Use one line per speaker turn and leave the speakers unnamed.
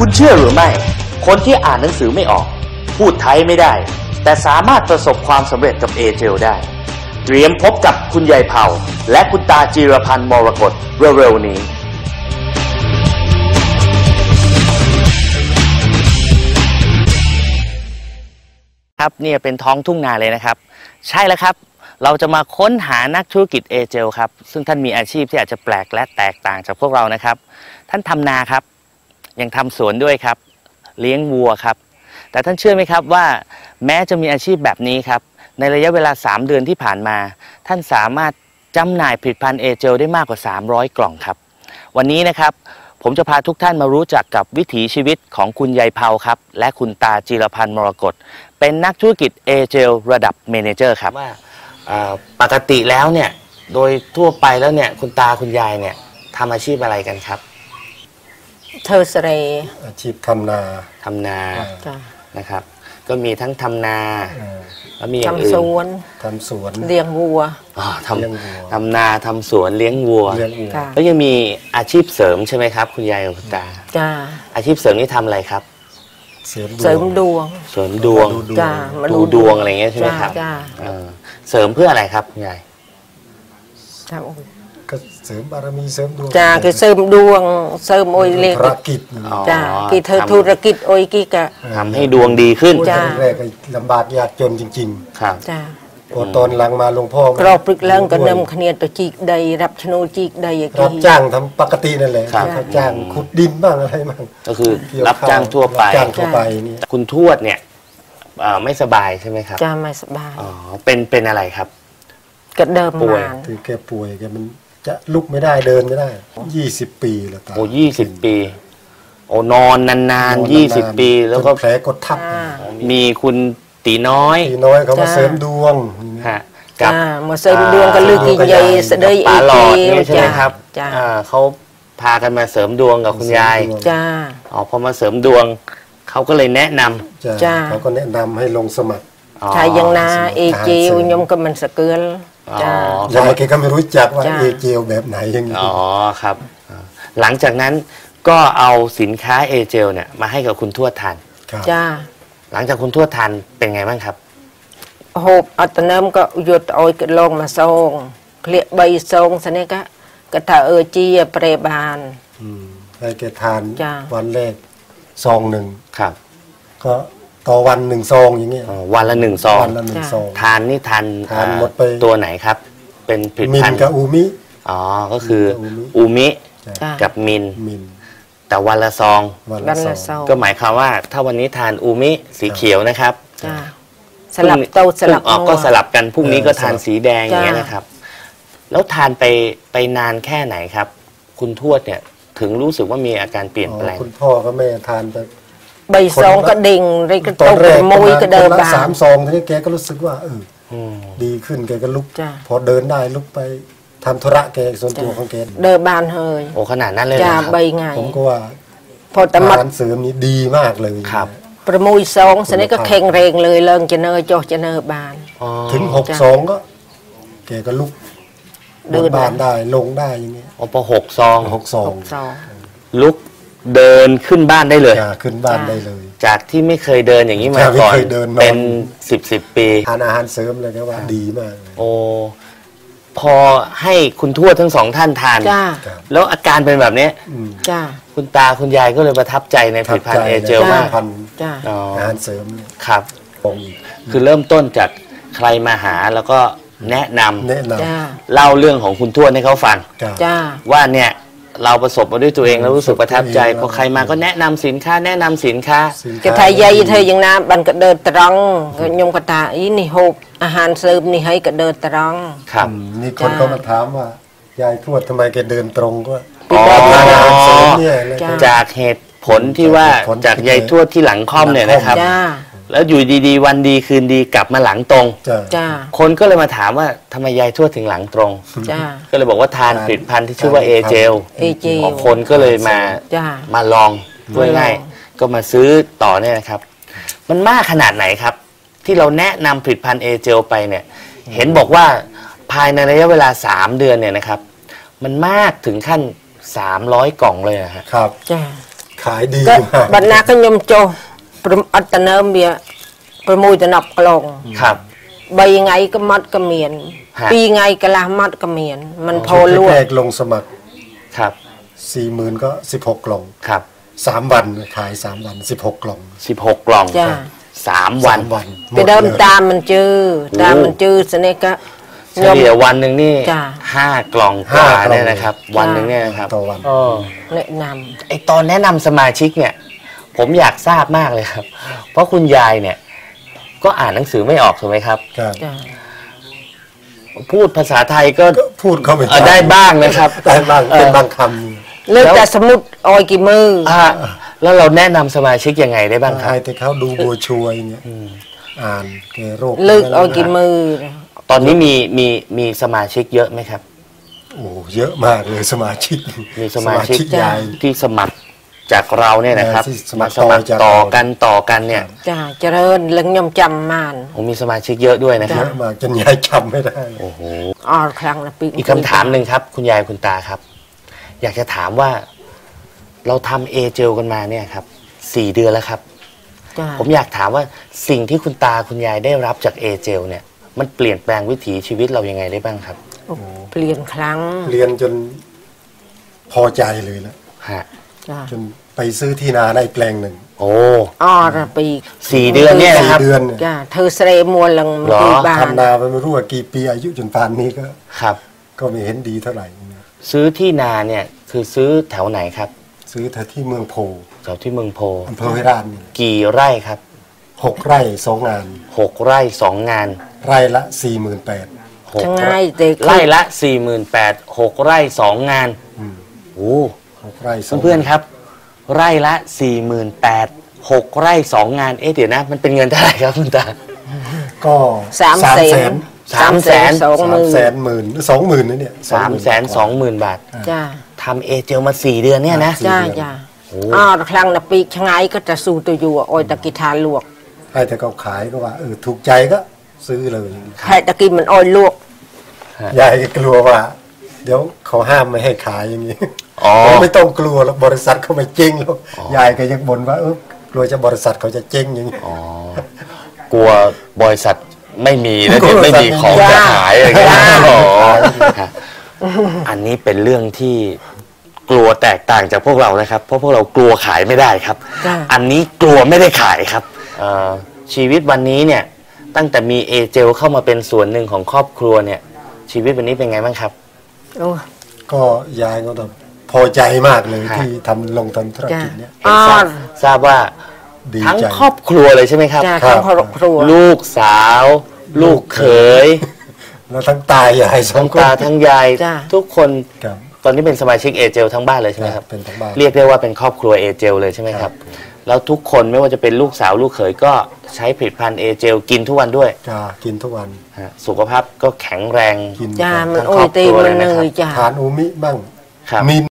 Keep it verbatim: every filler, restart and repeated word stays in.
คุณเชื่อหรือไม่คนที่อ่านหนังสือไม่ออกพูดไทยไม่ได้แต่สามารถประสบความสำเร็จกับเอเจลได้เตรียมพบกับคุณยายเผาและคุณตาจีรพันธ์มรกตเร็วๆนี้ครับเนี่ยเป็นท้องทุ่งนาเลยนะครับใช่แล้วครับเราจะมาค้นหานักธุรกิจเอเจลครับซึ่งท่านมีอาชีพที่อาจจะแปลกและแตกต่างจากพวกเรานะครับท่านทำนาครับยังทำสวนด้วยครับเลี้ยงวัวครับแต่ท่านเชื่อไหมครับว่าแม้จะมีอาชีพแบบนี้ครับในระยะเวลาสามเดือนที่ผ่านมาท่านสามารถจำหน่ายผลิตภัณฑ์เอเจลได้มากกว่าสามร้อยกล่องครับวันนี้นะครับผมจะพาทุกท่านมารู้จักกับวิถีชีวิตของคุณยายเผาครับและคุณตาจีรพันธ์มรกตเป็นนักธุรกิจเอเจลระดับเมเนเจอร์ครับว่าปกติแล้วเนี่ยโดยทั่วไปแล้วเนี่ยคุณตาคุณยายเนี่ยทำอาชีพอะไรกันครับ
เธอสเร
อาชีพทำนา
ทำนานะครับก็มีทั้งทำนาแล้วมีอย่าง
อื่น
ทำสวนทำสวน
เลี้ยงวัว
อ๋อทำทำนาทำสวนเลี้ยงวัวแล้วยังมีอาชีพเสริมใช่ไหมครับคุณยายกับคุณตา
จ้า
อาชีพเสริมนี่ทำอะไรครับ
เสริมดวง
เสริมดวง
จ้า
ดูดวงอะไรเงี้ยใช่ไหมครับเสริมเพื่ออะไรครับคุณยาย
ก็เสริมบารมีเสริมดวง
จ้าคือเสริมดวงเสริมโอยเล็ก
ธุรกิจ
จ้ากีเธอธุรกิจโอยกีกะ
ทำให้ดวงดีขึ้น
จ้าแรกก็ลำบากยากจนจริงๆ
ครับ
จ้า
พอตอนหลังมาหลวงพ่อก
รอบปรึกเรื่องก็นำขณีตัวจีกใดรับชโนจีกใด
รับจ้างทำปกตินั่นแหละรับจ้างขุดดินบ้างอะไรบ้าง
ก็คือรับจ้างทั่วไป
จ้างทั่วไปนี่
คุณทวดเนี่ยไม่สบายใช่ไหมครับ
จ้าไม่สบาย
อ๋อเป็นเป็นอะไรครับ
ก็เดิม
ป่วยคือแกป่วยแกมันจะลุกไม่ได้เดินไม่ได้ยี่สิบปีแล้วตา
โอ้ยี่สิบปีโอ้นอนนานๆยี่สิบปีแล้วก็
แผลกดทับ
มีคุณตีน้อย
ตีน้อยเขามาเสริมดวง
ฮะกับ
มาเสริมดวงกันลึกใหญ่เสด็จ
ปลาหลอดนี่ใช่ไหมครับเขาพากันมาเสริมดวงกับคุณยาย
จ้า
อ๋อพอมาเสริมดวงเขาก็เลยแนะน
ำจ้าเขาก็แนะนำให้ลงสมัคร
ชายยังนาเอเจวยมก็มันสเกิล
จ้
ายายแกก็ไม่รู้จักว่าเอเจลแบบไหนยังไง
อ๋อครับหลังจากนั้นก็เอาสินค้าเอเจลเนี่ยมาให้กับคุณทวดทาน
จ้า
หลังจากคุณทวดทานเป็นไงบ้างครับ
โหบอัตน้ำก็หยุดเอากระลงมาซองเคลียใบซองสันนี้ก็กระถาเออจีเปรบาน
ให้แกทานวันแรกซองหนึ่งครับก็ต่อวันหนึ่งซองอย่างเงี้ย
วันละหนึ่งซอง
วันละหนึ่งซอง
ทานนี่ทาน
ทานหมดไป
ตัวไหนครับเป็นผลิตภัณฑ์
มินกับอูมิ
อ๋อก็คืออูมิกับมินแต่วันละซอง
วันละซอง
ก็หมายความว่าถ้าวันนี้ทานอูมิสีเขียวนะครับ
สลับเตาสลับ
ออกก็สลับกันพรุ่งนี้ก็ทานสีแดงอย่างเงี้ยนะครับแล้วทานไปไปนานแค่ไหนครับคุณทวดเนี่ยถึงรู้สึกว่ามีอาการเปลี่ยนแปลง
คุณพ่อก็แม่ทานไป
ใบซองก็ดิ่งไรก็ตกมุ้ยก็เดินบาง
สามซองทีนี้แกก็รู้สึกว่าเออดีขึ้นแกก็ลุกพอเดินได้ลุกไปทำธุระแกส่วนตัวของแก
เดินบานเฮย
โอ้ขนาดนั้นเลย
จ้าใบไง
ผมก็ว่า
พอตมัด
เสริมนี้ดีมากเลย
ครับ
ประมุยซองสันนี้ก็แข็งแรงเลยเลิงจะเนยโจจะเนยบาน
ถึงหกซองก็แกก็ลุกเดินบานได้ลงได้อย่างเงี้ย
โอ้พอหกซอง
หกซอง
ลุกเดินขึ้นบ้านได้เลย
ขึ้นบ้านได้เลย
จากที่ไม่เคยเดินอย่างนี้มาก่อนเป็นสิบสิบปี
ทานอาหารเสริมเลยนะว่าดีมาก
โอ้พอให้คุณทวดทั้งสองท่านทานแล้วอาการเป็นแบบนี้คุณตาคุณยายก็เลยประทับใจในผลิตภัณฑ์เอเจลมาก
อาหารเสริม
ครับคือเริ่มต้นจากใครมาหาแล้วก็แนะนำเล่าเรื่องของคุณทวดให้เขาฟังว่าเนี่ยเราประสบมาด้วยตัวเองแล้วรู้สึกประทับใจพอใครมาก็แนะนำสินค้าแนะนำสินค้าก
ระทายใหญ่เธอยังน้ำบันกระเดินตรังยมกระตาอีนี่โฮบอาหารเสริมนี่ให้กระเดินตรัง
ครับ
นี่คนเขามาถามว่ายายทวดทำไมแกเดินตรงก็
จากเหตุผลที่ว่าจากยายทวดที่หลังค่อมเนี่ยนะครับแล้วอยู่ดีๆวันดีคืนดีกลับมาหลังตรงคนก็เลยมาถามว่าทำไมยายทวดถึงหลังตรงก็เลยบอกว่าทานผลิตภัณฑ์ที่ชื่อว่าเอเจลคนก็เลยมามาลองด้วยง่ายก็มาซื้อต่อเนี่ยนะครับมันมากขนาดไหนครับที่เราแนะนำผลิตภัณฑ์เอเจลไปเนี่ยเห็นบอกว่าภายในระยะเวลาสามเดือนเนี่ยนะครับมันมากถึงขั้นสามร้อยกล่องเลยนะครับ
คขายดี
ก็
มาก
บรรณาก็ยมโจประอัตเนิมเบียประมูลจะนับกลง
ครับ
ใบไงก็มัดก็เมียน
ฮะ
ปีไงก็ละมัดก็เมียน มันพอ
ชุด
ลว
แร
ก
กๆลงสมัคร
ครับ
สี่หมื่นก็สิบหกกล่อง
ครับ
สามวันขายสามวันสิบหกกล่อง
สิบหกกล่อง
จ้า
สามวัน
สามวันห
ไปเดิม
ลย
ตามมันจื้อตามมันจื้อสนิทก็
เฉลี่ยวันหนึ่งนี่
จ้ะ
ห้ากล่องกว่าเนี่ยนะครับ วันหนึ่งเนี่ยนะครับ
ต่อวัน
เออ
แนะน
ไอตอนแนะนำสมาชิกเนี่ย ผมอยากทราบมากเลยครับ เพราะคุณยายเนี่ย ก็อ่านหนังสือไม่ออกถูกไหมครับ
ครับ
ำจ้า
พูดภาษาไทยก็
ก็พูดเข้าไป
เออได้บ้างนะครับ
ได้บ้างเป็น
เออ
บางค
เลือกแต่สมุดออยกี่มือ
อ่ะแล้วเราแนะนำสมาชิกยังไงได้บ้าง
ำ
ครับ
ให้แต่เขาดูบัวช่วยอย่างเงี้ยอ่านแกโรค
เลือกออยกี่มือ
ตอนนี้มีมีมีสมาชิกเยอะไหมครับ
โอ้เยอะมากเลยสมาชิก
มีสมาชิก
ยาย
ที่สมัครจากเราเนี่ยนะครับ
ที่สมั
มา
คร
สมัคร
ต่อจาก
ต่อ
เรา
กันต่อกันเนี่ย
จ้าเจริญเลึงยมจำมาน
ผมมีสมาชิกเยอะด้วยนะค
เย
รับ
อะมากจนยายจำไม่ได้
โอ้โห
อ๋อครั้งละปี
อีกคำถามหนึ่งครับ คุณยายคุณตาครับ อยากจะถามว่า เราทำเอเจลกันมาเนี่ยครับสี่เดือนแล้วครับ
จ้า
ผมอยากถามว่าสิ่งที่คุณตาคุณยายได้รับจากเอเจลเนี่ย มันเปลี่ยนแปลงวิถีชีวิตเรายังไงได้บ้างครับ
เปลี่ยนครั้ง
เรียนจนพอใจเลยนะ
ฮะ
จ้า
จนไปซื้อที่นาได้แปลงหนึ่ง
โอ้
อ๋อละปี
สี่เดือนเนี่ยนะครับ
สี่เดือนเนี่ย
จ้าเธอเสรมัวลัง
หรอ
ที่บ้าน
ทำนาไปไม่รู้ว่ากี่ปีอายุจนป่านนี้ก็
ครับ
ก็ไม่เห็นดีเท่าไหร่
ซื้อที่นาเนี่ยคือซื้อแถวไหนครับ
ซื้อแถวที่เมืองโพ
แถวที่เมืองโพ
อำเภอเวรานนี่
กี่ไร่ครับ
หกไร่สองงาน
หกไร่สองงาน
ไร่ละสี่หมื่นแปด
หก
ช่างง่ายแต่
ไร่ละสี่หมื่นแปดหกไร่สองงานโอ้
หกไร่สอง
เพื่อนๆครับ ไร่ละสี่หมื่นแปดหกไร่สองงานเอ๊ะเดี๋ยวนะ มันเป็นเงินเท่าไหร่ครับคุณตา
ก็
สามแสน
สามแสน
สอง
สา
มื
ม
อ
แสนหมื่นสองหมื่นนะเนี่ย
สามแสนสองหมื่นบาท
จ้า
ทำเอเจลมาสี่เดือนเนี่ยนะ
จ้าจ้า
โอ้
อ๋อครั้งละปีช่างง่ายก็จะสู้ตัวอยู่ออยตะกิทานลวก
ให้แต่เขาขายก็ว่าเออถูกใจก็ซื้อเลย
แค่ตะกี้มันออยลวก
ยายก็กลัวว่า เดี๋ยวเขาห้ามไม่ให้ขายอย่างนี้
อ๋อ
ผมไม่ต้องกลัวแล้วบริษัทเขาไม่เจ๊งแล้วยายก็ยังบ่นว่าเออกลัวจะบริษัทเขาจะเจ๊งอย่างนี้
อ๋อกลัวบริษัทไม่มีแล้ว
กลั
เดี๋ยว ว
บริษั
ไม่
ท
มีของ
ไม่มี
จะขายอะไรอย่างเงี้ย
จ้า
อ๋อฮะอันนี้เป็นเรื่องที่กลัวแตกต่างจากพวกเรานะครับ เพราะพวกเรากลัวขายไม่ได้ครับ
จ้า
อันนี้กลัวไม่ได้ขายครับเอ่อชีวิตวันนี้เนี่ย ตั้งแต่มีเอเจลเข้ามาเป็นส่วนหนึ่งของครอบครัวเนี่ย ชีวิตวันนี้เป็นไงบ้างครับ
โอ้
ก็ยายก็แบบพอใจมากเลย
ฮะ
ที่ทำลงทำธุรกิจเนี่ย
เห็นทราบทราบว่า
ดี
ทั้ง
ใจ
ครอบครัวเลยใช่ไหมครับ
จ้า
ครั
ทั้
บ
งครอบครัว
ลูกสาว ลูกเขย
แล้วทั้งตายายสอ
ทั้
ง
ง
คน
ตาทั้งยาย
จ้า
ทุกคน
ครับ
ตอนนี้เป็นสมาชิกเอเจลทั้งบ้านเลยใช่ไหมครับ
เป็นทั้งบ้าน
เรียกได้ว่าเป็นครอบครัวเอเจลเลยใช่ไหมครับ แล้วทุกคนไม่ว่าจะเป็นลูกสาวลูกเขยก็ใช้ผลิตภัณฑ์เอเจลกินทุกวันด้วย
จ้ากินทุกวัน
ฮะสุขภาพก็แข็งแรง
กิน
จ้า
ครับ
มัน
ทั้ง
โอ้
คร
ย
อบ
ตี
ครัว
มั
เล
น
ย
เห
นะครับ
นื่อยจ้า
ทานอูมิบ้าง
ครับ
มี